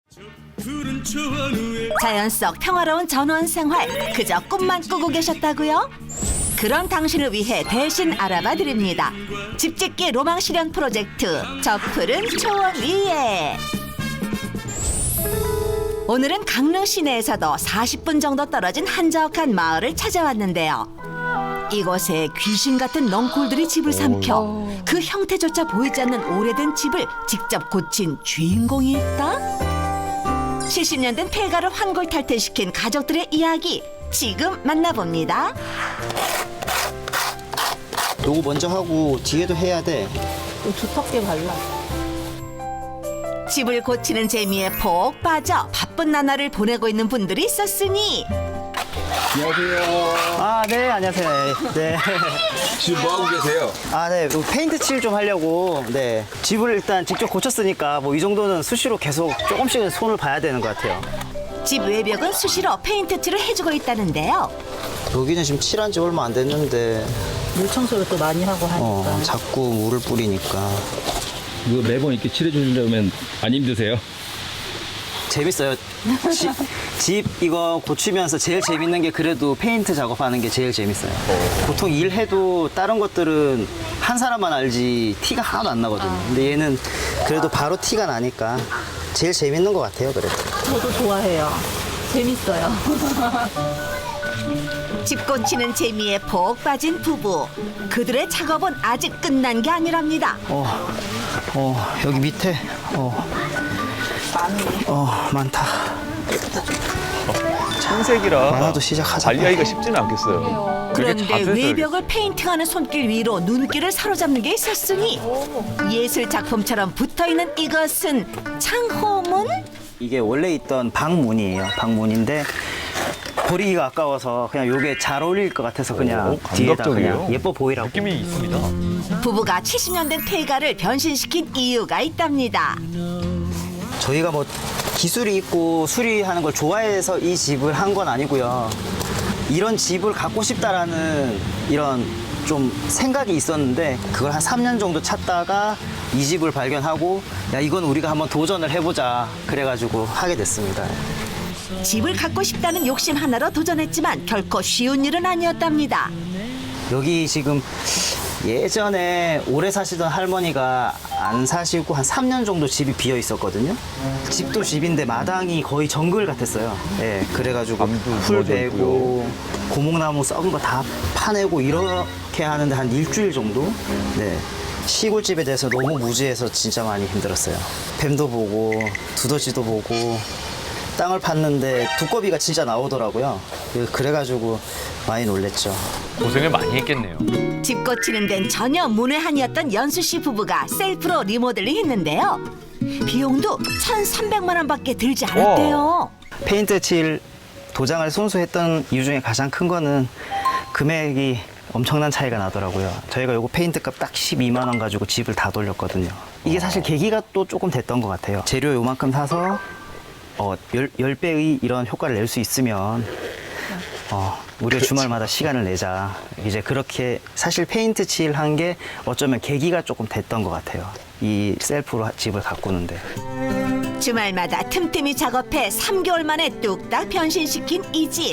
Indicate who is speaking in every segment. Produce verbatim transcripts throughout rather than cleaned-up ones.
Speaker 1: 자연 속 평화로운 전원 생활 그저 꿈만 꾸고 계셨다고요? 그런 당신을 위해 대신 알아봐 드립니다. 집짓기 로망 실현 프로젝트 저 푸른 초원 위에. 오늘은 강릉 시내에서도 사십 분 정도 떨어진 한적한 마을을 찾아왔는데요. 이곳에 귀신 같은 넝쿨들이 집을 삼켜 그 형태조차 보이지 않는 오래된 집을 직접 고친 주인공이 있다? 칠십 년 된 폐가를 환골탈퇴시킨 가족들의 이야기 지금 만나봅니다.
Speaker 2: 요거 먼저 하고 뒤에도 해야 돼.
Speaker 3: 두텁게 발라.
Speaker 1: 집을 고치는 재미에 푹 빠져 바쁜 나날을 보내고 있는 분들이 있었으니
Speaker 2: 안녕하세요. 아, 네, 안녕하세요. 네.
Speaker 4: 지금 뭐 하고 계세요?
Speaker 2: 아, 네. 요 페인트 칠 좀 하려고. 네. 집을 일단 직접 고쳤으니까 뭐 이 정도는 수시로 계속 조금씩은 손을 봐야 되는 것 같아요.
Speaker 1: 집 외벽은 수시로 페인트 칠을 해주고 있다는데요.
Speaker 2: 여기는 지금 칠한 지 얼마 안 됐는데
Speaker 3: 물 청소를 또 많이 하고 하니까.
Speaker 2: 어, 자꾸 물을 뿌리니까
Speaker 4: 이거 매번 이렇게 칠해주려면 안 힘드세요?
Speaker 2: 재밌어요. 지, 집 이거 고치면서 제일 재밌는 게 그래도 페인트 작업하는 게 제일 재밌어요. 보통 일해도 다른 것들은 한 사람만 알지 티가 하나도 안 나거든요. 근데 얘는 그래도 바로 티가 나니까 제일 재밌는 것 같아요. 그래도.
Speaker 3: 저도 좋아해요. 재밌어요.
Speaker 1: 집 고치는 재미에 푹 빠진 부부. 그들의 작업은 아직 끝난 게 아니랍니다.
Speaker 2: 어, 어 여기 밑에 어, 어 많다.
Speaker 5: 청색이라
Speaker 2: 많아도 시작하자.
Speaker 5: 관리하기가 쉽지는 않겠어요. 되게
Speaker 1: 그런데
Speaker 5: 자주 해서
Speaker 1: 외벽을 페인팅하는 손길 위로 눈길을 사로잡는 게 있었으니 예술 작품처럼 붙어있는 이것은 창호문?
Speaker 2: 이게 원래 있던 방문이에요. 방문인데 버리기가 아까워서 그냥 요게 잘 어울릴 것 같아서 그냥
Speaker 5: 오,
Speaker 2: 뒤에다
Speaker 5: 감각적이에요.
Speaker 2: 그냥 예뻐 보이라고.
Speaker 5: 느낌이 있습니다.
Speaker 1: 부부가 칠십 년 된 폐가를 변신시킨 이유가 있답니다.
Speaker 2: 저희가 뭐 기술이 있고 수리하는 걸 좋아해서 이 집을 한 건 아니고요. 이런 집을 갖고 싶다라는 이런 좀 생각이 있었는데 그걸 한 삼 년 정도 찾다가 이 집을 발견하고 야 이건 우리가 한번 도전을 해보자 그래가지고 하게 됐습니다.
Speaker 1: 집을 갖고 싶다는 욕심 하나로 도전했지만 결코 쉬운 일은 아니었답니다.
Speaker 2: 여기 지금 예전에 오래 사시던 할머니가 안 사시고 한 삼 년 정도 집이 비어 있었거든요. 집도 집인데 마당이 거의 정글 같았어요. 예, 그래가지고
Speaker 5: 밤도
Speaker 2: 풀
Speaker 5: 무너져
Speaker 2: 베고 고목나무 썩은 거 다 파내고 이렇게 하는데 한 일주일 정도? 네. 시골집에 대해서 너무 무지해서 진짜 많이 힘들었어요. 뱀도 보고 두더지도 보고 땅을 팠는데 두꺼비가 진짜 나오더라고요. 그래가지고 많이 놀랬죠.
Speaker 5: 고생을 많이 했겠네요.
Speaker 1: 집 고치는 데는 전혀 문외한이었던 연수 씨 부부가 셀프로 리모델링 했는데요. 비용도 천삼백만 원밖에 들지 않았대요.
Speaker 2: 페인트 칠 도장을 손수했던 이유 중에 가장 큰 거는 금액이 엄청난 차이가 나더라고요. 저희가 요거 페인트 값 딱 십이만 원 가지고 집을 다 돌렸거든요. 이게 사실 계기가 또 조금 됐던 것 같아요. 재료 요만큼 사서 어, 십 배의 이런 효과를 낼 수 있으면 어, 우리가 주말마다 시간을 내자. 이제 그렇게 사실 페인트 칠한 게 어쩌면 계기가 조금 됐던 것 같아요. 이 셀프로 집을 가꾸는데.
Speaker 1: 주말마다 틈틈이 작업해 삼 개월 만에 뚝딱 변신시킨 이 집.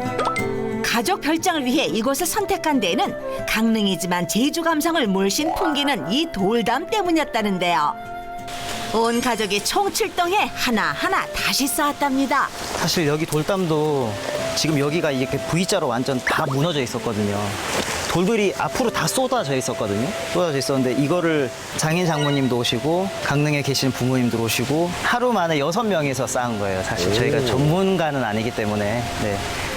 Speaker 1: 가족 별장을 위해 이곳을 선택한 데에는 강릉이지만 제주 감성을 물씬 풍기는 이 돌담 때문이었다는데요. 온 가족이 총출동해 하나하나 다시 쌓았답니다.
Speaker 2: 사실 여기 돌담도 지금 여기가 이렇게 V자로 완전 다 무너져 있었거든요. 돌들이 앞으로 다 쏟아져 있었거든요. 쏟아져 있었는데 이거를 장인 장모님도 오시고 강릉에 계시는 부모님도 오시고 하루 만에 여섯 명이서 쌓은 거예요. 사실 저희가 전문가는 아니기 때문에. 네.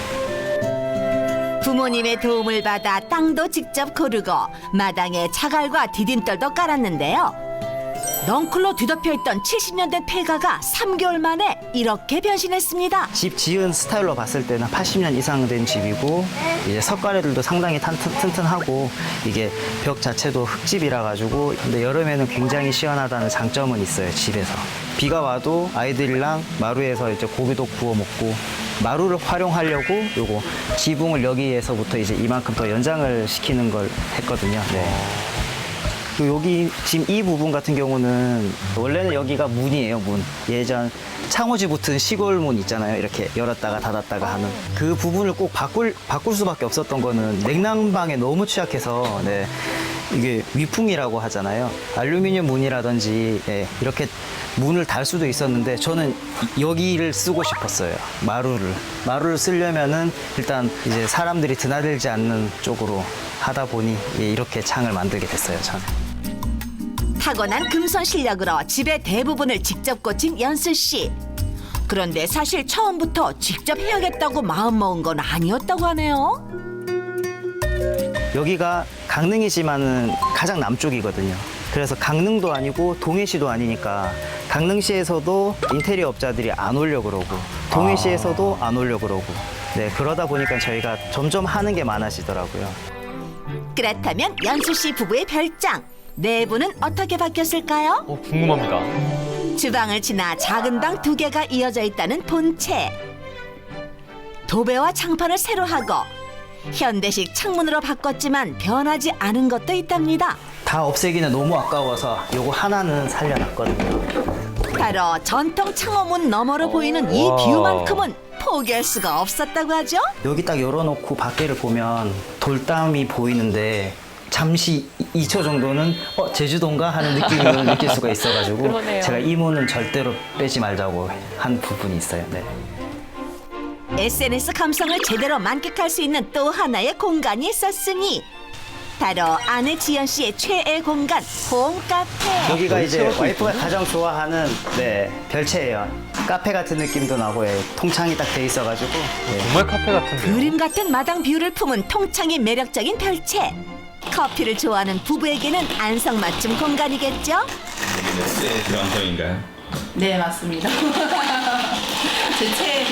Speaker 1: 부모님의 도움을 받아 땅도 직접 고르고 마당에 차갈과 디딤돌도 깔았는데요. 넝쿨로 뒤덮여 있던 칠십 년 된 폐가가 삼 개월 만에 이렇게 변신했습니다.
Speaker 2: 집 지은 스타일로 봤을 때는 팔십 년 이상 된 집이고 이제 석가래들도 상당히 탄- 튼튼하고 이게 벽 자체도 흙집이라 가지고 근데 여름에는 굉장히 시원하다는 장점은 있어요. 집에서 비가 와도 아이들이랑 마루에서 이제 고기도 구워 먹고 마루를 활용하려고 요거 지붕을 여기에서부터 이제 이만큼 더 연장을 시키는 걸 했거든요. 네. 그리고 여기 지금 이 부분 같은 경우는 원래는 여기가 문이에요, 문. 예전 창호지 붙은 시골 문 있잖아요. 이렇게 열었다가 닫았다가 하는 그 부분을 꼭 바꿀 바꿀 수밖에 없었던 거는 냉난방에 너무 취약해서 네. 이게 위풍이라고 하잖아요. 알루미늄 문이라든지 예, 이렇게 문을 달 수도 있었는데 저는 여기를 쓰고 싶었어요. 마루를. 마루를 쓰려면은 일단 이제 사람들이 드나들지 않는 쪽으로 하다 보니 예, 이렇게 창을 만들게 됐어요, 저는.
Speaker 1: 타고난 금손 실력으로 집의 대부분을 직접 고친 연수 씨. 그런데 사실 처음부터 직접 해야겠다고 마음먹은 건 아니었다고 하네요.
Speaker 2: 여기가 강릉이지만은 가장 남쪽이거든요. 그래서 강릉도 아니고 동해시도 아니니까 강릉시에서도 인테리어 업자들이 안 오려고 그러고 동해시에서도 안 오려고 그러고 네, 그러다 보니까 저희가 점점 하는 게 많아지더라고요.
Speaker 1: 그렇다면 연수 씨 부부의 별장 내부는 어떻게 바뀌었을까요?
Speaker 5: 어, 궁금합니다.
Speaker 1: 주방을 지나 작은 방 두 개가 이어져 있다는 본체. 도배와 창판을 새로 하고 현대식 창문으로 바꿨지만 변하지 않은 것도 있답니다.
Speaker 2: 다 없애기는 너무 아까워서 요거 하나는 살려놨거든요.
Speaker 1: 바로 전통 창호문 너머로 보이는 이
Speaker 5: 와.
Speaker 1: 뷰만큼은 포기할 수가 없었다고 하죠.
Speaker 2: 여기 딱 열어놓고 밖에를 보면 돌담이 보이는데 잠시 이 초 정도는 어 제주도인가 하는 느낌을 느낄 수가 있어가지고
Speaker 6: 그러네요.
Speaker 2: 제가 이 문은 절대로 빼지 말자고 한 부분이 있어요. 네.
Speaker 1: 에스엔에스 감성을 제대로 만끽할 수 있는 또 하나의 공간이 있었으니 바로 아내 지연 씨의 최애 공간 홈카페.
Speaker 2: 여기가 이제 와이프가 가장 좋아하는 네 별채예요. 카페 같은 느낌도 나고 예, 통창이 딱 돼 있어가지고 네.
Speaker 5: 정말 카페 같은데요.
Speaker 1: 그림 같은 마당 뷰를 품은 통창이 매력적인 별채. 커피를 좋아하는 부부에게는 안성맞춤 공간이겠죠?
Speaker 4: 네, 들어간성인가요?
Speaker 3: 네, 맞습니다. 제 최애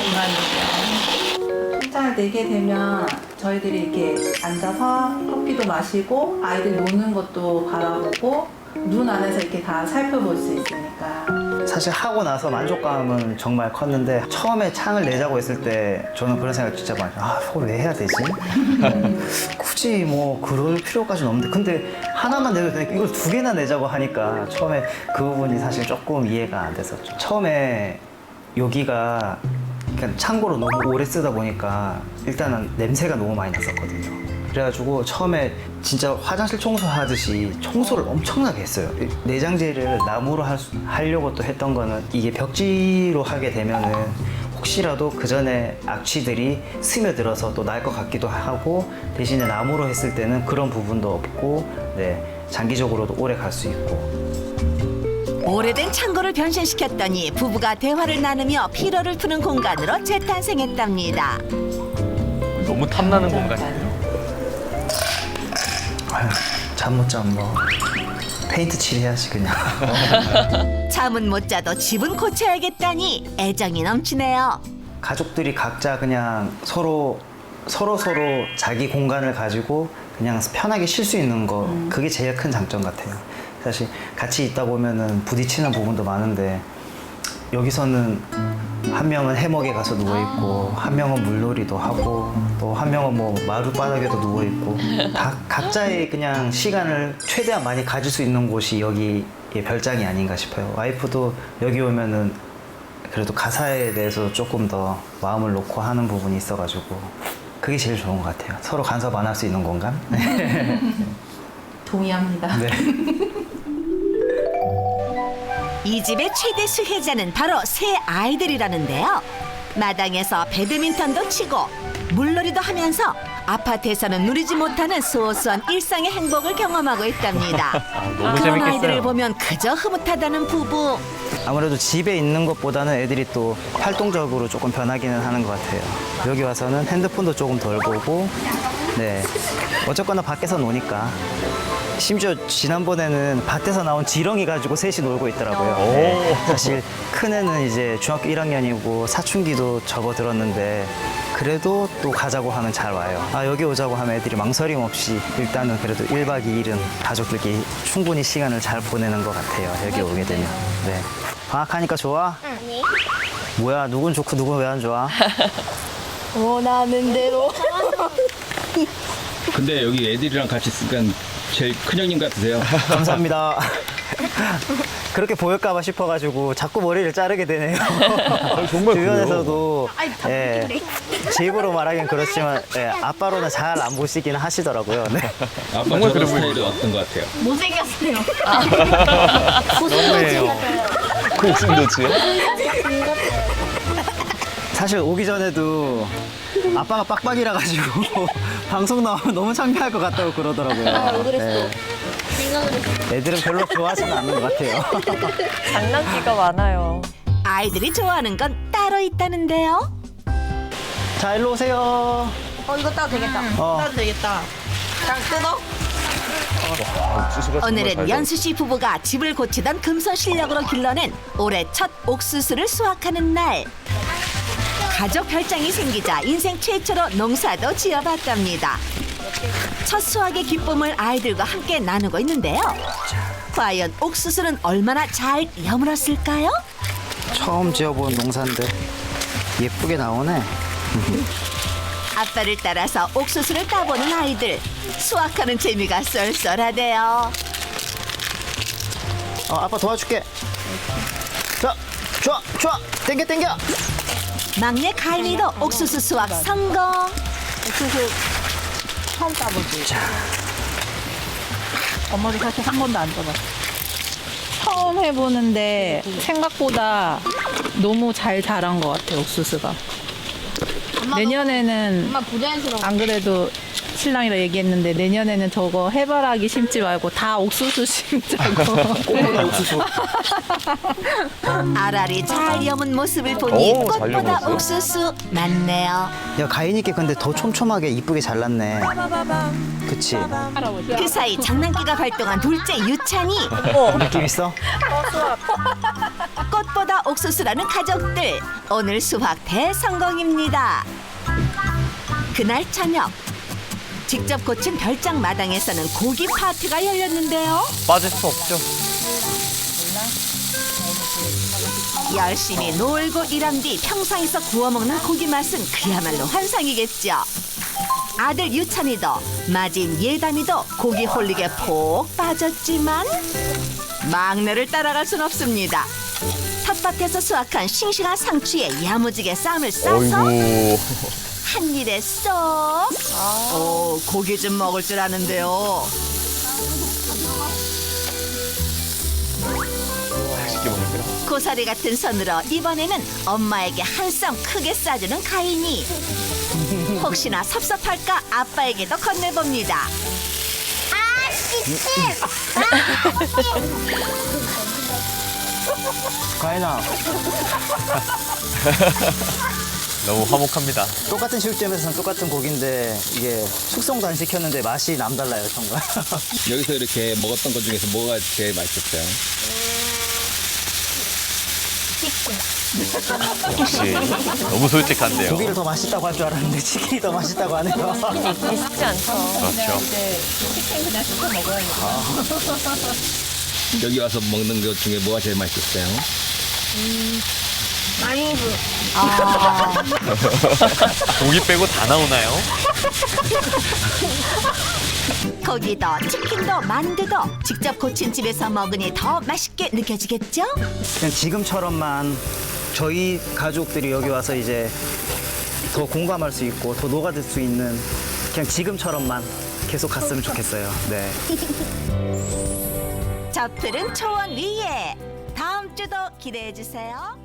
Speaker 3: 공간이고요. 혼자 내게 되면 저희들이 이렇게 앉아서 커피도 마시고 아이들 노는 것도 바라보고 눈 안에서 이렇게 다 살펴볼 수 있으니까.
Speaker 2: 사실 하고 나서 만족감은 정말 컸는데 처음에 창을 내자고 했을 때 저는 그런 생각 진짜 많이 아 그걸 왜 해야 되지? 굳이 뭐 그럴 필요까지는 없는데 근데 하나만 내도 되니까 이걸 두 개나 내자고 하니까 처음에 그 부분이 사실 조금 이해가 안 됐었죠. 처음에 여기가 그냥 창고로 너무 오래 쓰다 보니까 일단은 냄새가 너무 많이 났었거든요. 그래가지고 처음에 진짜 화장실 청소하듯이 청소를 엄청나게 했어요. 내장재를 나무로 할 수- 하려고 또 했던 거는 이게 벽지로 하게 되면은 혹시라도 그 전에 악취들이 스며들어서 또 날 것 같기도 하고 대신에 나무로 했을 때는 그런 부분도 없고 네, 장기적으로도 오래 갈 수 있고
Speaker 1: 오래된 창고를 변신시켰더니 부부가 대화를 나누며 피로를 푸는 공간으로 재탄생했답니다.
Speaker 5: 너무 탐나는 공간이에요.
Speaker 2: 잠 못 자면 뭐 페인트 칠해야지 그냥.
Speaker 1: 잠은 못 자도 집은 고쳐야겠다니 애정이 넘치네요.
Speaker 2: 가족들이 각자 그냥 서로 서로 서로 자기 공간을 가지고 그냥 편하게 쉴 수 있는 거 그게 제일 큰 장점 같아요. 사실 같이 있다 보면은 부딪히는 부분도 많은데 여기서는 한 명은 해먹에 가서 누워 있고 한 명은 물놀이도 하고 또 한 명은 뭐 마룻바닥에도 누워 있고 다 각자의 그냥 시간을 최대한 많이 가질 수 있는 곳이 여기의 별장이 아닌가 싶어요. 와이프도 여기 오면은 그래도 가사에 대해서 조금 더 마음을 놓고 하는 부분이 있어가지고 그게 제일 좋은 것 같아요. 서로 간섭 안 할 수 있는 공간. 네.
Speaker 3: 동의합니다.
Speaker 2: 네.
Speaker 1: 이 집의 최대 수혜자는 바로 새 아이들이라는데요. 마당에서 배드민턴도 치고 물놀이도 하면서 아파트에서는 누리지 못하는 소소한 일상의 행복을 경험하고 있답니다.
Speaker 5: 너무
Speaker 1: 그런
Speaker 5: 재밌겠어요.
Speaker 1: 아이들을 보면 그저 흐뭇하다는 부부.
Speaker 2: 아무래도 집에 있는 것보다는 애들이 또 활동적으로 조금 변하기는 하는 것 같아요. 여기 와서는 핸드폰도 조금 덜 보고, 네. 어쨌거나 밖에서 노니까. 심지어 지난번에는 밭에서 나온 지렁이 가지고 셋이 놀고 있더라고요. 네. 사실 큰애는 이제 중학교 일 학년이고 사춘기도 접어들었는데 그래도 또 가자고 하면 잘 와요. 아 여기 오자고 하면 애들이 망설임 없이 일단은 그래도 일 박 이 일은 가족들끼리 충분히 시간을 잘 보내는 것 같아요. 여기 오게 되면. 네. 방학하니까 좋아?
Speaker 6: 아니.
Speaker 2: 뭐야 누군 좋고 누군 왜 안 좋아?
Speaker 6: 원하는 대로.
Speaker 4: 근데 여기 애들이랑 같이 있으니까 제일 큰형님 같으세요.
Speaker 2: 감사합니다. 그렇게 보일까봐 싶어가지고 자꾸 머리를 자르게 되네요.
Speaker 6: 정말
Speaker 2: 주변에서도 예, 제 입으로 말하긴 그렇지만 예, 아빠로는 잘 안 보시긴 하시더라고요. 네.
Speaker 4: 아빠 저런 스타일은 어떤 것 같아요?
Speaker 7: 못생겼어요.
Speaker 6: 너무해요. 고슴도치요?
Speaker 2: 사실 오기 전에도 아빠가 빡빡이라 가지고 방송 나오면 너무 창피할 것 같다고 그러더라고요.
Speaker 7: 아, 왜 그랬어?
Speaker 2: 네. 애들은 별로 좋아하지는 않는 것 같아요.
Speaker 8: 장난기가 많아요.
Speaker 1: 아이들이 좋아하는 건 따로 있다는데요.
Speaker 2: 자, 일로 오세요.
Speaker 7: 어, 이거 따도 되겠다.
Speaker 2: 어,
Speaker 3: 따도 되겠다.
Speaker 7: 그냥 뜯어?
Speaker 6: 옥수수가 정말
Speaker 1: 오늘은
Speaker 6: 잘
Speaker 1: 연수 씨 부부가 집을 고치던 금손 실력으로 길러낸 올해 첫 옥수수를 수확하는 날. 가족 별장이 생기자 인생 최초로 농사도 지어봤답니다. 첫 수확의 기쁨을 아이들과 함께 나누고 있는데요. 과연 옥수수는 얼마나 잘 여물었을까요?
Speaker 2: 처음 지어본 농사인데 예쁘게 나오네.
Speaker 1: 아빠를 따라서 옥수수를 따보는 아이들. 수확하는 재미가 쏠쏠하대요.
Speaker 2: 어, 아빠 도와줄게. 자, 좋아, 좋아. 땡겨, 땡겨.
Speaker 1: 막내 가인이도 옥수수 수확 성공.
Speaker 3: 옥수수 처음 따보지. 엄마도 사실 한 번도 안 따봤어. 처음 해보는데 생각보다 너무 잘 자란 것 같아, 옥수수가. 내년에는
Speaker 7: 엄마 부자연스러워.
Speaker 3: 안 그래도 신랑이랑 얘기했는데 내년에는 저거 해바라기 심지 말고 다 옥수수 심자고.
Speaker 2: 옥수수.
Speaker 1: 알알이 잘 여문 모습을 보니
Speaker 6: 오, 잘
Speaker 1: 꽃보다
Speaker 6: 여물었어요.
Speaker 1: 옥수수 맞네요.
Speaker 2: 야, 가인이께 근데 더 촘촘하게 이쁘게 잘랐네. 그치?
Speaker 1: 그 사이 장난기가 발동한 둘째 유찬이.
Speaker 2: 느낌 있어?
Speaker 1: 꽃보다 옥수수라는 가족들. 오늘 수확 대성공입니다. 그날 저녁. 직접 고친 별장 마당에서는 고기 파티가 열렸는데요.
Speaker 5: 빠질 수 없죠.
Speaker 1: 열심히 놀고 일한 뒤 평상에서 구워 먹는 고기 맛은 그야말로 환상이겠죠. 아들 유찬이도 마진 예담이도 고기 홀릭에 푹 빠졌지만 막내를 따라갈 순 없습니다. 텃밭에서 수확한 싱싱한 상추에 야무지게 쌈을 싸서
Speaker 6: 어이구.
Speaker 1: 한 입에 쏙. 오, 고기 좀 먹을 줄 아는데요.
Speaker 6: 맛있게 먹는데요?
Speaker 1: 고사리 같은 손으로 이번에는 엄마에게 한 쌈 크게 싸주는 가인이. 혹시나 섭섭할까 아빠에게도 건네봅니다.
Speaker 2: 가인아,
Speaker 5: 너무 화목합니다.
Speaker 2: 똑같은 시점에서는 똑같은 고기인데 이게 숙성도 안 시켰는데 맛이 남달라요, 정말.
Speaker 4: 여기서 이렇게 먹었던 것 중에서 뭐가 제일 맛있었어요?
Speaker 5: 역시 너무 솔직한데요.
Speaker 2: 고기를 더 맛있다고 할 줄 알았는데 치킨이 더 맛있다고 하네요.
Speaker 8: 쉽지 않죠.
Speaker 5: 그렇죠.
Speaker 4: 여기 와서 먹는 것 중에 뭐가 제일 맛있었어요?
Speaker 5: 고기 빼고 다 나오나요?
Speaker 1: 고기도 치킨도 만두도 직접 고친 집에서 먹으니 더 맛있게 느껴지겠죠?
Speaker 2: 그냥 지금처럼만 저희 가족들이 여기 와서 이제 더 공감할 수 있고 더 녹아들 수 있는 그냥 지금처럼만 계속 갔으면 좋겠어요. 네.
Speaker 1: 저 푸른 초원 위에 다음 주도 기대해 주세요.